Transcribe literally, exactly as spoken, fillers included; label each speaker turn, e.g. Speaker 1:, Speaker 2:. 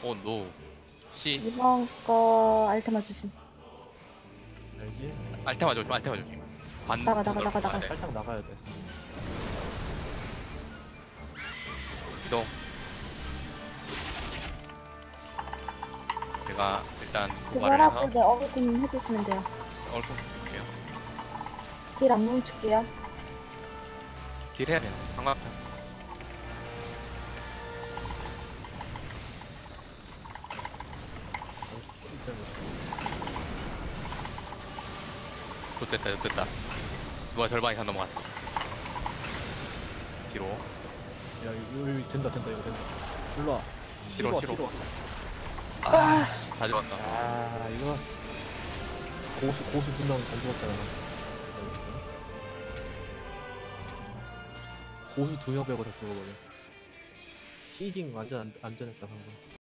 Speaker 1: 오, 노. C.
Speaker 2: 이번 거 알테마 조심.
Speaker 3: 알지?
Speaker 1: 알테마 조심, 알테마 조심. 반.
Speaker 2: 나가, 나가, 나가,
Speaker 1: 가야
Speaker 2: 나가.
Speaker 1: 돼.
Speaker 3: 살짝 나가야 돼.
Speaker 1: 이동. 제가 일단 도발을
Speaker 2: 그거라고
Speaker 1: 해서
Speaker 2: 네, 어그군 해주시면 돼요.
Speaker 1: 얼굴 볼게요.
Speaker 2: 딜 안 뭉칠게요.
Speaker 1: 딜 해야 돼요. 삼각형. 좋됐다, 좋됐다. 누가 절반 이상 넘어갔다. 뒤로.
Speaker 3: 야, 이거, 이거 된다, 된다, 이거 된다. 일로 와.
Speaker 1: 뒤로,
Speaker 3: 뒤로
Speaker 1: 뒤로.
Speaker 3: 와, 뒤로 와.
Speaker 1: 아, 다 죽었다.
Speaker 3: 아, 이거. 고수, 고수 두 명이 잘 죽었잖아. 고수 두 명 빼고 다 죽어버려. 시징 완전 안, 안전했다, 방금.